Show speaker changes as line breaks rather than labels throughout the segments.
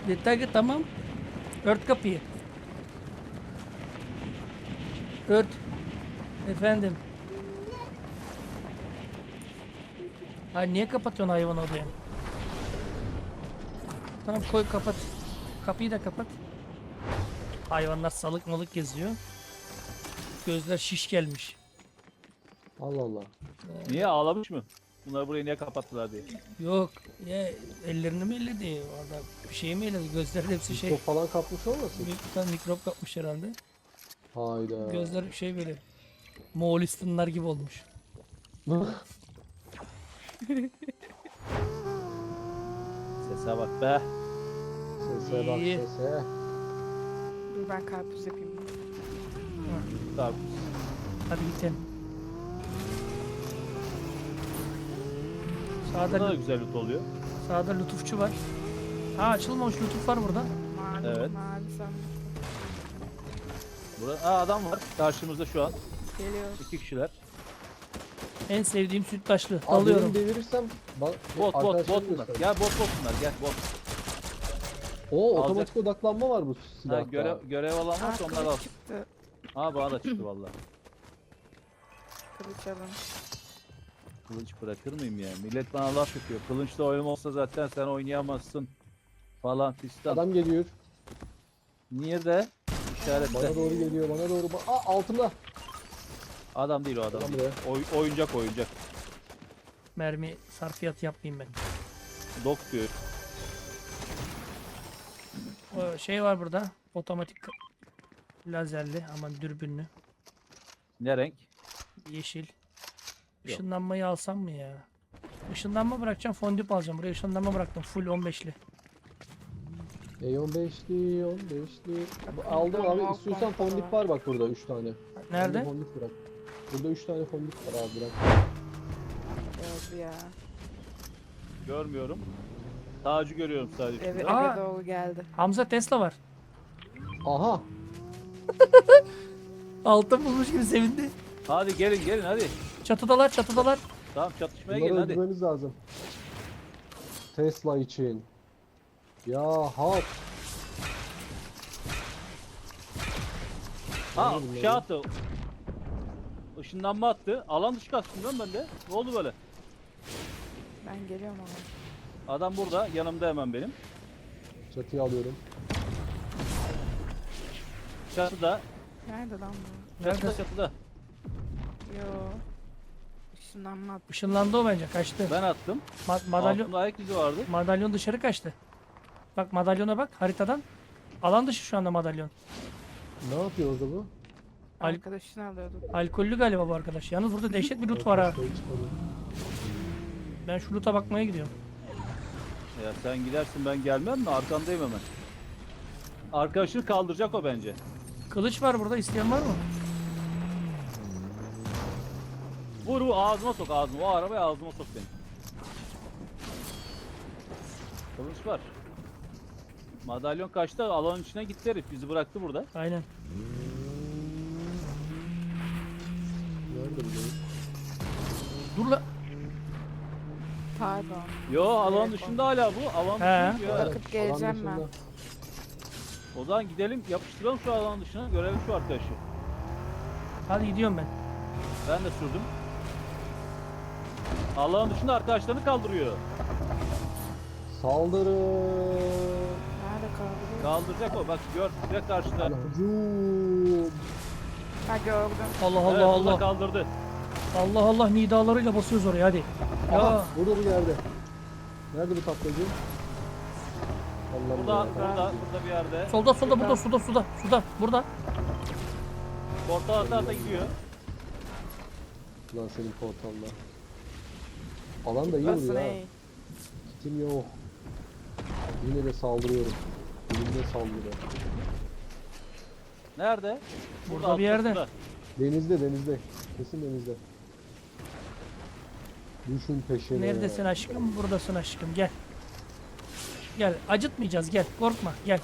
Detaylı tamam. Ört kapıyı. Ört. Efendim. Hayır niye kapatıyorsun hayvan odaya? Tamam koy kapat. Kapıyı da kapat. Hayvanlar salık malık geziyor. Gözler şiş gelmiş.
Allah Allah.
Niye ağlamış mı? Bunları burayı niye kapattılar diye.
Yok. Ya ellerini mi elledi? Orada bir şey mi elledi? Gözlerin hepsi şey.
Mikrop falan kapmış olmasın?
Mikrop kapmış herhalde.
Hayda.
Gözler şey böyle. Moğolistanlar gibi olmuş.
Sese bak be.
Sese bak
İyi.
sese.
Dur ben karpuz yapayım.
Tamam.
Hadi gidelim.
Burada da
Sağda,
güzel loot oluyor.
sağda lütufçu var. Ha açılmamış lütuf var burada.
Mavi,
Evet.
mavi sandım.
Burada adam var karşımızda şu an.
Geliyor.
2 kişiler.
En sevdiğim sütlaçlı.
Abi
Dalıyorum.
benim devirirsem bak
Bot
arkadaşlarım
bunlar.
göster.
Gel bot bunlar gel bot.
Oo
Alacak.
otomatik odaklanma var bu
Ha,
silahta.
görev olan varsa onlar al.
Kılıç çıktı.
Ha bana da çıktı valla.
Kılıç alın.
Kılıç bırakır mıyım ya? Millet bana laf yapıyor. Kılıçla oyun olsa zaten sen oynayamazsın. Falan fistan.
Adam geliyor.
Niye de? İşaretle.
Bana doğru geliyor bana doğru. Aa altımda.
Adam değil o adam.
Adam
Değil. Oyuncak.
Mermi sarfiyat yapmayayım ben.
Dok diyor.
O şey var burada. Otomatik lazerli aman dürbünlü.
Ne renk?
Yeşil. Işınlanmayı alsam mı ya? Işınlanma bırakacağım. Fondip alacağım. Buraya ışınlanma bıraktım. Full 15'li.
E15'li 15'li. Aldım abi
Tamam,
istiyorsan
tamam.
fondip var bak burada 3 tane.
Nerede?
Fondip bırak. Burada 3 tane fondip var abi bırak.
Geldi ya.
Görmüyorum. Tacı görüyorum sadece.
Eve,
Aa!
eve doğru geldi.
Hamza Tesla var.
Aha.
Altın bulmuş gibi sevindi.
Hadi gelin hadi.
Çatıdalar çatıdalar.
Tamam çatışmaya
Bunları
gelin hadi.
öldürmemiz lazım. Tesla için. Ya hak.
Ha
Bunları-
şey attı. Işınlanma attı. Alan dışı kaçtım lan ben de. Ne oldu böyle?
Ben geliyorum ama.
Adam burada. Yanımda hemen benim.
Çatıyı alıyorum.
Çatıda.
Nerede lan bu?
Çatıda
Nerede?
çatıda.
Yo. Işınlanma attı.
Işınlandı o bence. Kaçtı.
Ben attım.
Madalyon,
Altında ayak izi vardı.
madalyon dışarı kaçtı. Bak madalyona bak haritadan. Alan dışı şu anda madalyon.
Ne yapıyor orada bu?
Al-
Arkadaşını alıyorduk.
Alkollü galiba bu arkadaş. Yalnız burada dehşet bir loot var ha.
Ortaya çıkmadı.
Ben şu loot'a bakmaya gidiyorum.
Ya sen gidersin ben gelmem mi? Arkandayım hemen. Arkadaşını kaldıracak o bence.
Kılıç var burada. İsteyen var mı?
Vur ağzıma sok ağzıma. O arabaya ağzıma sok beni. Kılıç var. Madalyon kaçtı. Alanın içine gitti herif. Bizi bıraktı burada.
Aynen.
Nerede bu?
Dur la.
Pardon.
Yo alan
Evet,
dışında hala bu. Alan
He.
dışında ya.
Bakıp geleceğim ben.
O zaman gidelim yapıştıralım şu alan dışına. Görelim şu arkadaşı.
Hadi gidiyorum ben.
Ben de sürdüm. Alan dışında arkadaşlarını kaldırıyor.
Saldırı.
Nerede kaldı?
Kaldıracak o. Bak gör. Direkt karşıda.
Hücum.
Ha gördüm.
Allah
Evet,
Allah
burada
Allah.
kaldırdı.
Allah Allah nidalarıyla basıyoruz oraya hadi. Ya
Aha, burada bu yerde. Nerede bu taklacı?
Burada,
Allah
burada bir yerde.
solda burada suda burada.
Portal ata gidiyor.
Lan senin portalla. Alan da iyi
Basın
vuruyor ha.
ey.
Kitim yok. Yine de saldırıyorum. Elimde saldırı.
Nerede?
Burada bir yerde.
altında.
Denizde. Kesin denizde. Düşün peşine.
Neredesin aşkım? Buradasın aşkım. Gel. Gel. Acıtmayacağız. Gel. Korkma. Gel.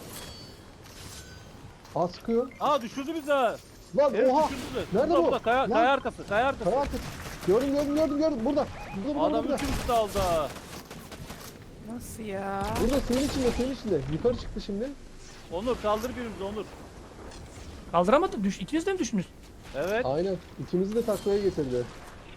Askı.
Aa düşürdü bizi.
Lan
Herif
oha.
düşürdü.
Nerede
Burada,
bu?
burada, kaya
Lan.
arkası. Kaya arkası.
Kayağı Gördüm. Burada.
Adam
Burada.
üçüncüsü aldı.
Nasıl ya?
Burada senin içinde, senin içinde. Yukarı çıktı şimdi.
Onur kaldır birimizi Onur.
Kaldıramadı. İkiniz de mi düştünüz?
Evet.
Aynen. İkimizi de taklaya getirdi.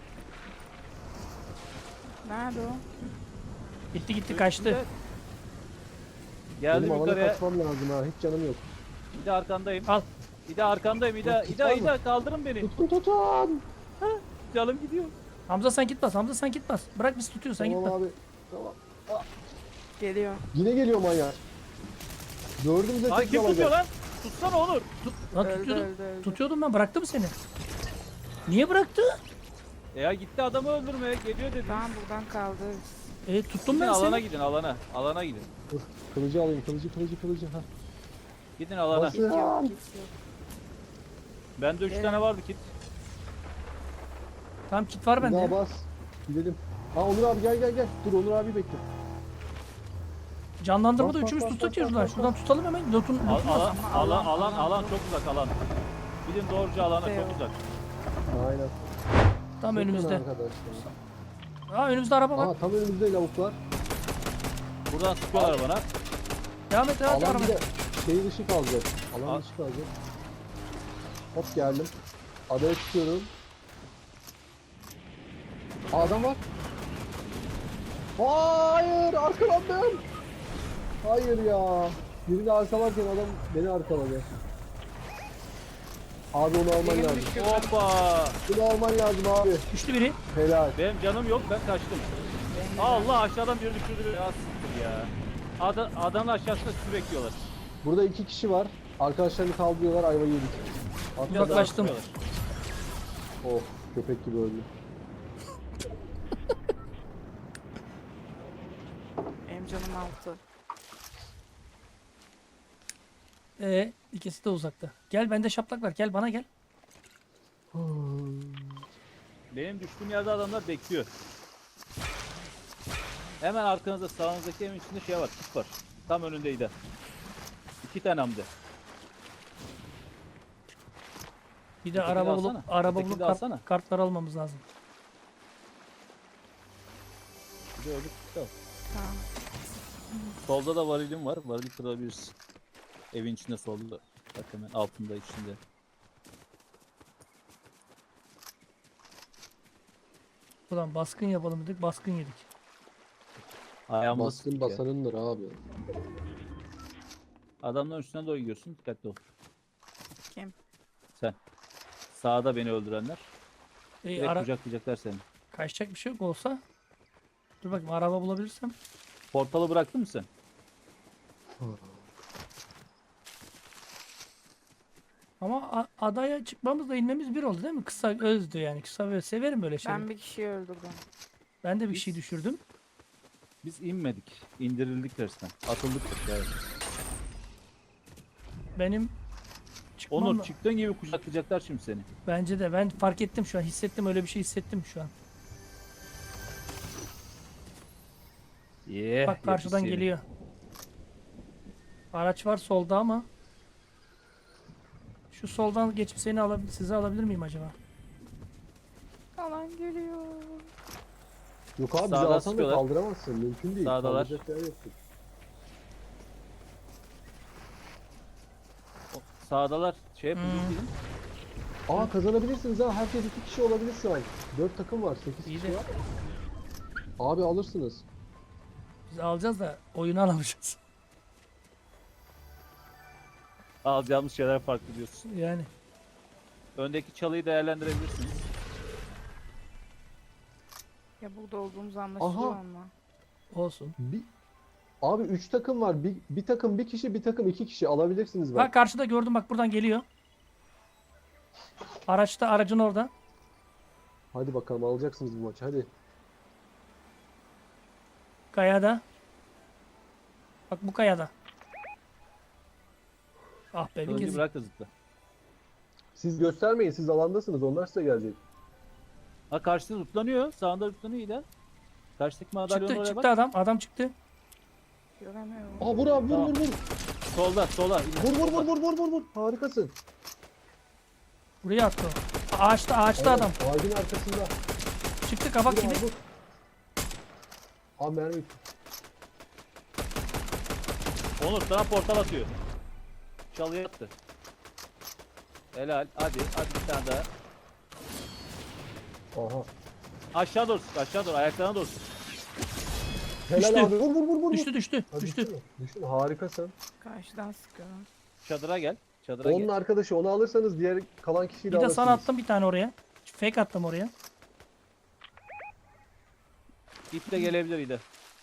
Nerede o?
Gitti gitti kaçtı.
Üstünde. Geldim
Benim alana
yukarıya.
kaçmam lazım ha. Hiç canım yok.
Bir de arkandayım.
Al.
Bir de arkandayım. İda,
Tut,
İda,
var mı?
İda kaldırın beni.
Tutun tutun.
Canım gidiyor.
Hamza sen git bas. Hamza sen git bas. Bırak biz tutuyoruz sen git
Tamam
bas.
abi. Tamam.
Geliyor.
Yine geliyor manyak. Dördümüze
Ay
tek
kim tutuyor
alacak.
lan? Tutsana Onur.
Lan
Öldü,
tutuyordum.
öldü, öldü.
Tutuyordum ben. Bıraktı mı seni? Niye bıraktı?
Ya gitti adamı öldürmeye geliyor dedi.
Tamam buradan kaldırırız.
Tuttum
Gidin
ben
alana
seni.
gidin alana. Alana gidin.
Dur. Kılıcı alayım. Kılıcı. Ha.
Gidin alana.
Nasıl?
Git yok,
Lan.
git yok.
Bende 3 tane vardı kit.
Tamam kit var
Bir
bende.
daha
ya.
bas. Gidelim. Ha Onur abi gel. Dur Onur abi bekle.
Canlandırmada
Bas, bas,
üçümüz
bas,
tutak
bas,
yiyoruz lan.
bas,
Şuradan tutalım hemen. Lotun
Alan çok uzak alan. Gidin doğruca alana çok
Yok.
uzak.
Aynen.
tam
Bakın
önümüzde.
arkadaşlar.
Önümüzde araba var.
Aa tam önümüzde lavuklar.
Buradan sıkıyorlar bana.
Devam et
Alan
araba.
bir de şey dışı kalacak. Alan
Al.
dışı kalacak. Hop geldim. Adaya çıkıyorum. Aa, adam var. Hayır arkalandım. Hayır ya. Birini arkalarken adam beni arkaladı. Abi onu alman
Benim
lazım.
düştü.
Hoppa.
Bunu alman lazım abi.
Düştü biri.
Helal.
Benim canım yok ben kaçtım. Allah aşağıdan biri düşürdü. Ya siktir ya. Adanın aşağısında sizi bekliyorlar.
Burada 2 kişi var. Arkadaşlarını kaldırıyorlar ayvayı yedik. Atladı.
Uzaklaştım.
Oh köpek gibi öldü.
Benim canım 6.
İkisi de uzakta. Gel bende şaplak var. Gel bana gel.
Benim düştüğüm yerde adamlar bekliyor. Hemen arkanızda sağınızdaki evin içinde şey var, kit var. Tam önündeydi. 2 tane hem de.
Bir de
Ötekini
araba
alsana.
bulup araba
Ötekini
bulup
de alsana.
kartlar almamız lazım.
Bir de öbür kit al.
Tamam.
Solda da varilim var. Varili kırabilirsin. Evin içinde solda. Bak hemen altında içinde.
Ulan baskın yapalım dedik. Baskın yedik.
Ayağımda
Baskın
sıktık ya.
basanındır abi.
Adamların üstüne doğru gidiyorsun. Dikkatli ol.
Kim?
Sen. Sağda beni öldürenler. Direkt
Ara
kucaklayacaklar seni.
kaçacak bir şey yok olsa. Dur bakayım araba bulabilirsem.
Portalı bıraktın mı sen?
Ama adaya çıkmamızla inmemiz bir oldu değil mi? Kısa özdü yani. Kısa ve severim böyle şeyleri.
Ben bir kişiyi öldürdüm.
Ben de bir şey düşürdüm.
Biz inmedik. İndirildik resmen. Atıldık. Yani.
Benim çıkmam
Onur
da-
çıktığın gibi kucaklayacaklar şimdi seni.
Bence de ben fark ettim şu an. Hissettim öyle bir şey hissettim şu an. Bak karşıdan
yetmiş
geliyor. Araç var solda ama. Şu soldan geçip seni sizi alabilir miyim acaba?
Alan geliyor.
Yok abi bizi
Sağdan
alsan da
sıkıyorlar.
kaldıramazsın. Mümkün değil.
Sağdalar.
Kaldıracak yer yoktur.
Sağdalar şey yapın
Hmm.
gidin.
Aa kazanabilirsiniz ha. Herkes 2 kişi olabilir şu an. 4 takım var. 8
İyi
kişi
de-
var. Abi alırsınız.
Biz alacağız da oyunu alamayacağız.
Alacağımız şeyler farklı diyorsun.
Yani.
Öndeki çalıyı değerlendirebilirsiniz.
Ya burada olduğumuz anlaşılıyor
Aha.
ama.
Olsun.
Abi 3 takım var. Bir takım 1 kişi, bir takım 2 kişi alabilirsiniz
Bak
bak.
karşıda gördüm bak buradan geliyor. Aracın orada.
Hadi bakalım alacaksınız bu maçı. Hadi.
Kayada. Bak bu kayada. Ah be bir
Kılıcı
kez.
bırak da zıpla.
Siz göstermeyin. Siz alandasınız. Onlar size gelecek.
Ha karşıda zıplanıyor. Sağında zıplanıyor İda. Karşıdaki madalyonun
Çıktı
oraya
çıktı
bak.
adam. Adam çıktı.
Göremiyorum.
Aa vur abi vur
Tamam.
vur vur.
Solda.
Vur. Harikasın.
Buraya attı o. Ağaçta
Evet,
adam.
Ağacın arkasında.
Çıktı kabak
Vur
gibi.
abi vur. Abi mermi.
Onur sana portal atıyor. Çalıya attı. Helal. Hadi bir tane daha.
Aha.
Aşağı doğru sık, aşağı doğru. Ayaklarına doğru sık.
Helal
Düştü.
abi. Vur vur vur vur.
Düştü.
Ha,
Düştü.
mü? Düştü mü? Harikasın.
Karşıdan sıkıyorum.
Çadıra gel. Çadıra
Onun
gel.
arkadaşı, onu alırsanız diğer kalan kişiyi de
Bir de
alırsınız.
sana attım bir tane oraya. Fake attım oraya.
İp de gelebilir İde.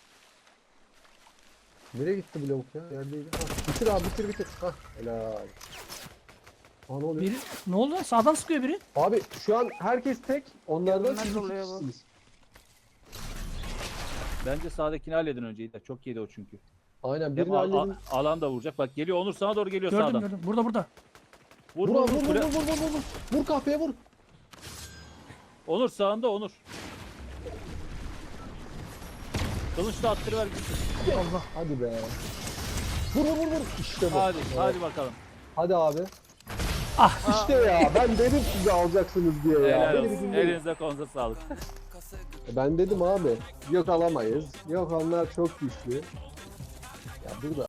Nereye gitti bu lavuk ya? Yerdeydi. Ha, bitir abi, bitir. Ha, helal. Ha, ne oluyor?
Biri ne oldu lan? Sağdan sıkıyor biri.
Abi şu an herkes tek. Onlardan
Yanına
siz iki
doluyor bu.
kişisiniz.
Bence sağdakini halledin önce İde. Çok yedi o çünkü.
Aynen
Hem
birini halledin.
alan da vuracak. Bak geliyor Onur sana doğru geliyor
Gördüm
sağdan.
gördüm. Burada.
Vur
Vur
vur
abi,
vur.
vur
Kule-
vur vur vur vur. Vur kahpeye vur.
Onur sağında Onur. Kılıçla attırıver gitsin.
Allah.
Hadi be. Vur vur vur vur. İşte bu.
Hadi
Evet.
hadi bakalım.
Hadi abi.
Ah.
İşte ya, ben dedim size alacaksınız diye ya.
Helal
Beni
olsun.
bir dinleyin.
Elinize konuza sağlık.
Ben dedim abi. Yok alamayız. Yok onlar çok güçlü. Ya burada